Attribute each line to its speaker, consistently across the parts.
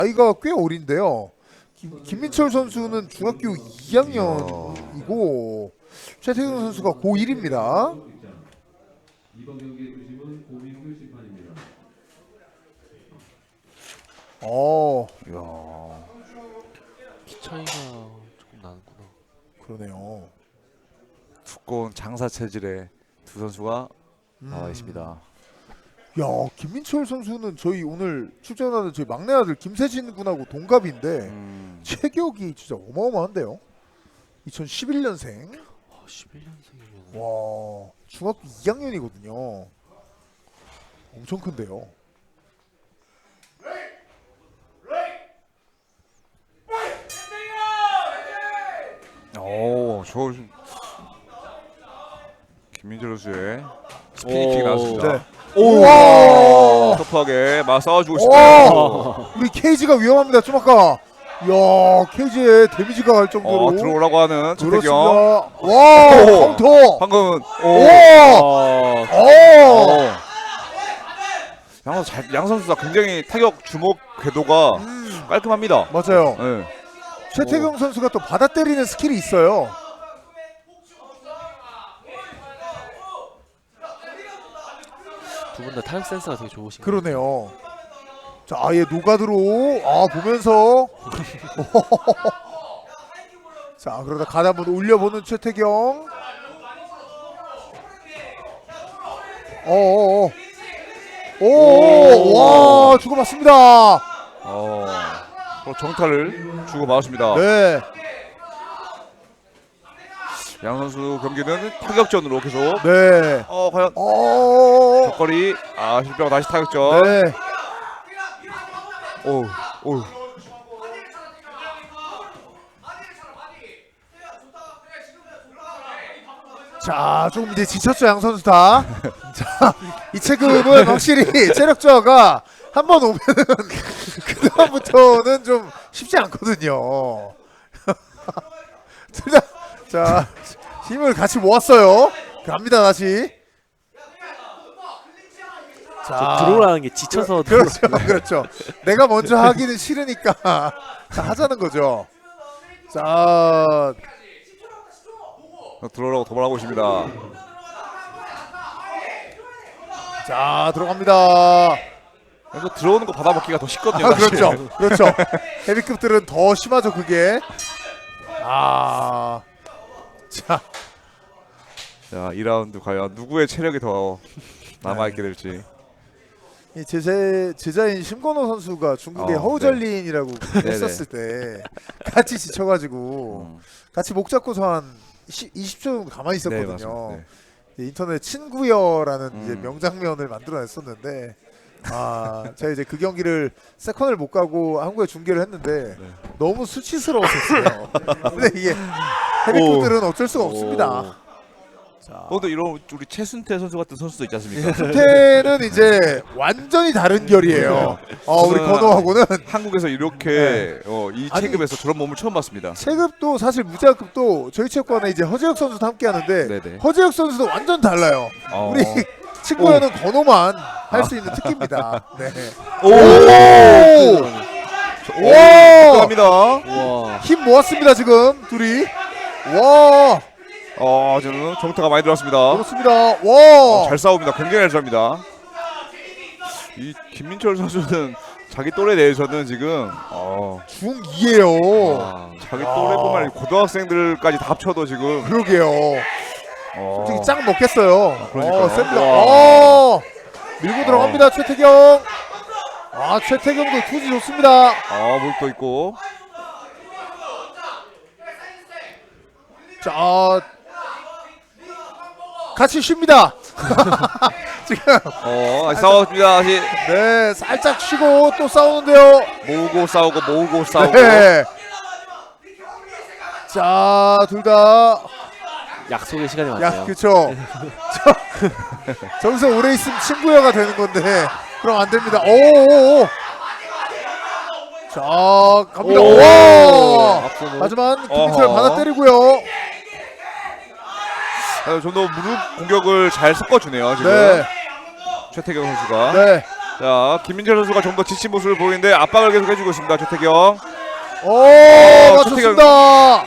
Speaker 1: 나이가 꽤 어린데요. 김민철 선수는 중학교 2학년이고 최태경 선수가 고1입니다.
Speaker 2: 이번 경기의 주심은 고민규 심판입니다.
Speaker 1: 이야,
Speaker 3: 키 차이가 조금 나는구나.
Speaker 1: 그러네요.
Speaker 4: 두꺼운 장사 체질의 두 선수가 나와 있습니다.
Speaker 1: 야, 김민철 선수는 저희 오늘 출전하는 저희 막내 아들 김세진 군하고 동갑인데 체격이 진짜 어마어마한데요. 2011년생.
Speaker 3: 11년생이면
Speaker 1: 와, 중학교 2학년이거든요. 엄청 큰데요.
Speaker 4: 오, 저 김민철 선수의 스피닝킥 나왔습니다.
Speaker 1: 네.
Speaker 4: 오, 터프하게 막 싸워주고 싶어요.
Speaker 1: 우리 케이지가 위험합니다. 좀 아까. 야, 케이지에 데미지가 갈 정도로.
Speaker 4: 들어오라고 하는
Speaker 1: 그렇습니다.
Speaker 4: 최태경.
Speaker 1: 와,
Speaker 4: 오.
Speaker 1: 카운터.
Speaker 4: 방금은
Speaker 1: 오.
Speaker 4: 양 선수가 굉장히 타격 주먹 궤도가 깔끔합니다.
Speaker 1: 맞아요.
Speaker 4: 네.
Speaker 1: 최태경 선수가 또 받아 때리는 스킬이 있어요.
Speaker 3: 두 분 다 타격 센스가 되게 좋으신 것
Speaker 1: 그러네요. 자, 아예 노가드로 보면서 자, 그러다 가다 한번 올려보는 최태경. 와, 주고받습니다.
Speaker 4: 또 정타를 주고 받았습니다.
Speaker 1: 네,
Speaker 4: 양 선수 경기는 타격전으로 계속.
Speaker 1: 네.
Speaker 4: 과연 격거리 실패하고 다시 타격전.
Speaker 1: 네.
Speaker 4: 오.
Speaker 1: 자, 조금 이제 지쳤죠, 양 선수 다. 자, 이 체급은 확실히 체력 저하가 한 번 오면은 그 다음부터는 좀 쉽지 않거든요. 둘 다, 자, 힘을 같이 모았어요. 갑니다, 다시.
Speaker 3: 같아요. 들어오라는 게 지쳐서
Speaker 1: 그렇죠. 내가 먼저 하기는 싫으니까 자, 하자는 거죠. 자,
Speaker 4: 들어오라고 도발하고 있습니다.
Speaker 1: 자, 들어갑니다.
Speaker 4: 그래서 들어오는 거 받아먹기가 더 쉽거든요. 사실.
Speaker 1: 그렇죠. 헤비급들은 더 심하죠, 그게. 자,
Speaker 4: 2라운드 과연 누구의 체력이 더 남아있게 될지.
Speaker 1: 이 제자인 심건호 선수가 중국의 허우절린이라고 했었을 때 같이 지쳐가지고 같이 목 잡고서 한 20초 정도 가만히 있었거든요.
Speaker 4: 네,
Speaker 1: 인터넷 친구여라는 이제 명장면을 만들어냈었는데 제가 이제 그 경기를 세컨을 못 가고 한국에 중계를 했는데 너무 수치스러웠었어요. 근데 이게 헤비급들은 어쩔 수가 없습니다.
Speaker 4: 또 이런 우리 최순태 선수 같은 선수도 있지 않습니까?
Speaker 1: 수태는 이제 완전히 다른 결이에요. 우리 건호하고는
Speaker 4: 한국에서 이렇게 이 체급에서 저런 몸을 처음 봤습니다.
Speaker 1: 체급도 사실 무자급도 저희 체육관에 이제 허재혁 선수도 함께 하는데
Speaker 4: 네네.
Speaker 1: 허재혁 선수도 완전 달라요. 우리 친구여는 건호만 할 수 있는 특기입니다. 네.
Speaker 4: 감사합니다.
Speaker 3: 우와.
Speaker 1: 힘 모았습니다 지금 둘이. 와,
Speaker 4: 저는 정타가 많이 들어왔습니다.
Speaker 1: 그렇습니다. 와,
Speaker 4: 잘 싸웁니다. 굉장히 잘 싸웁니다. 이 김민철 선수는 자기 또래 내에서는 지금
Speaker 1: 중2예요.
Speaker 4: 자기 또래뿐만 아니라 고등학생들까지 다 합쳐도 지금
Speaker 1: 그러게요. 솔직히 짱 먹겠어요.
Speaker 4: 그러니까요.
Speaker 1: 셉니다. 밀고 들어갑니다 최태경. 최태경도 투지 좋습니다.
Speaker 4: 물도 있고.
Speaker 1: 자, 같이 쉽니다. 지금
Speaker 4: 다시 싸웠습니다. 다시
Speaker 1: 네, 살짝 쉬고 또 싸우는데요.
Speaker 4: 모으고 싸우고
Speaker 1: 네. 자, 둘 다
Speaker 3: 약속의 시간이 왔네요.
Speaker 1: 그렇죠. 저기서 오래 있으면 친구여가 되는 건데 그럼 안 됩니다. 자, 갑니다. 하지만 김민철 받아 때리고요.
Speaker 4: 좀 더 무릎 공격을 잘 섞어주네요 지금.
Speaker 1: 네.
Speaker 4: 최태경 선수가.
Speaker 1: 네.
Speaker 4: 자, 김민철 선수가 좀 더 지친 모습을 보이는데 압박을 계속 해주고 있습니다. 최태경.
Speaker 1: 오,
Speaker 4: 최태경.
Speaker 1: 맞췄습니다.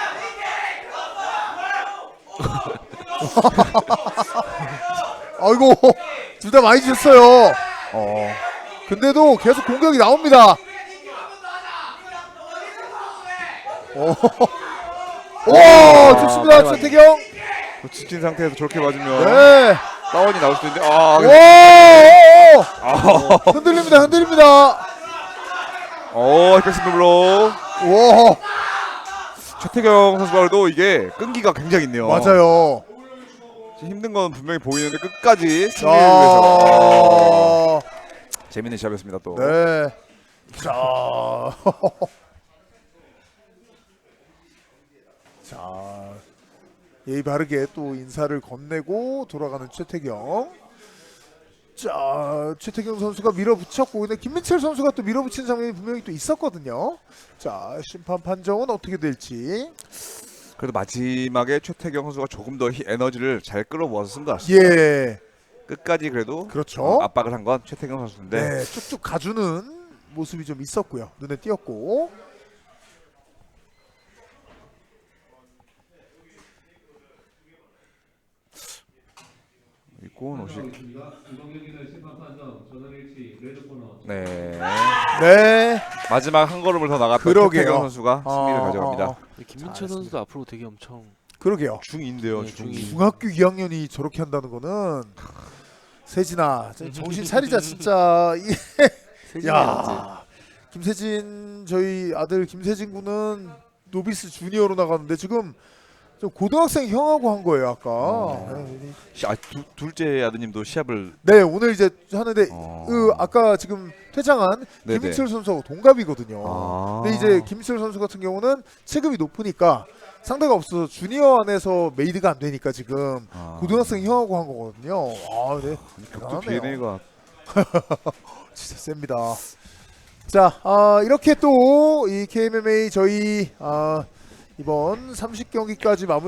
Speaker 1: 아이고, 둘 다 많이 지쳤어요. 근데도 계속 공격이 나옵니다. 오, 좋습니다,
Speaker 4: 네,
Speaker 1: 최태경.
Speaker 4: 그 지친 상태에서 저렇게 맞으면
Speaker 1: 네.
Speaker 4: 다운이 나올 수도 있는데
Speaker 1: 오, 흔들립니다, 흔들립니다.
Speaker 4: 백스핀 블록.
Speaker 1: 오,
Speaker 4: 최태경 선수도 이게 끈기가 굉장히 있네요.
Speaker 1: 맞아요.
Speaker 4: 지금 힘든 건 분명히 보이는데 끝까지 승리를 위해서. 재밌는 시합이었습니다 또.
Speaker 1: 네. 자. 자. 예의 바르게 또 인사를 건네고 돌아가는 최태경. 자, 최태경 선수가 밀어붙였고, 근데 김민철 선수가 또 밀어붙이는 장면이 분명히 또 있었거든요. 자, 심판 판정은 어떻게 될지.
Speaker 4: 그래도 마지막에 최태경 선수가 조금 더 에너지를 잘 끌어모아서 쓴 것 같습니다.
Speaker 1: 예.
Speaker 4: 끝까지 그래도
Speaker 1: 그렇죠.
Speaker 4: 압박을 한 건 최태경 선수인데.
Speaker 1: 네, 쭉쭉 가주는 모습이 좀 있었고요. 눈에 띄었고.
Speaker 4: 이건 오식.
Speaker 2: 이번 경기는 심판 판정 전원일치 레드 코너.
Speaker 4: 네.
Speaker 1: 네.
Speaker 4: 마지막 한 걸음을 더 나갔던
Speaker 1: 그러게요.
Speaker 4: 최태경 선수가 승리를 가져갑니다.
Speaker 3: 김민철 선수도 앞으로 되게 엄청
Speaker 1: 그러게요.
Speaker 4: 중인데요,
Speaker 3: 네,
Speaker 4: 중.
Speaker 3: 중이.
Speaker 1: 중학교 2학년이 저렇게 한다는 거는 세진아 정신 차리자 진짜.
Speaker 3: 세진이
Speaker 1: 야, 김세진 저희 아들 김세진 군은 노비스 주니어로 나가는데 지금 좀 고등학생 형하고 한 거예요 아까.
Speaker 4: 둘째 아드님도 시합을.
Speaker 1: 네, 오늘 이제 하는데
Speaker 4: 어.
Speaker 1: 그 아까 지금 퇴장한
Speaker 4: 네네.
Speaker 1: 김민철 선수하고 동갑이거든요.
Speaker 4: 아.
Speaker 1: 근데 이제 김민철 선수 같은 경우는 체급이 높으니까 상대가 없어서 주니어 안에서 메이드가 안 되니까 지금 고등학생 형하고 한 거거든요. 아, 네.
Speaker 4: 또
Speaker 1: 대단하네요.
Speaker 4: DNA가.
Speaker 1: 진짜 셉니다. 자, 이렇게 또 이 KMMA 저희 이번 30경기까지 마무리.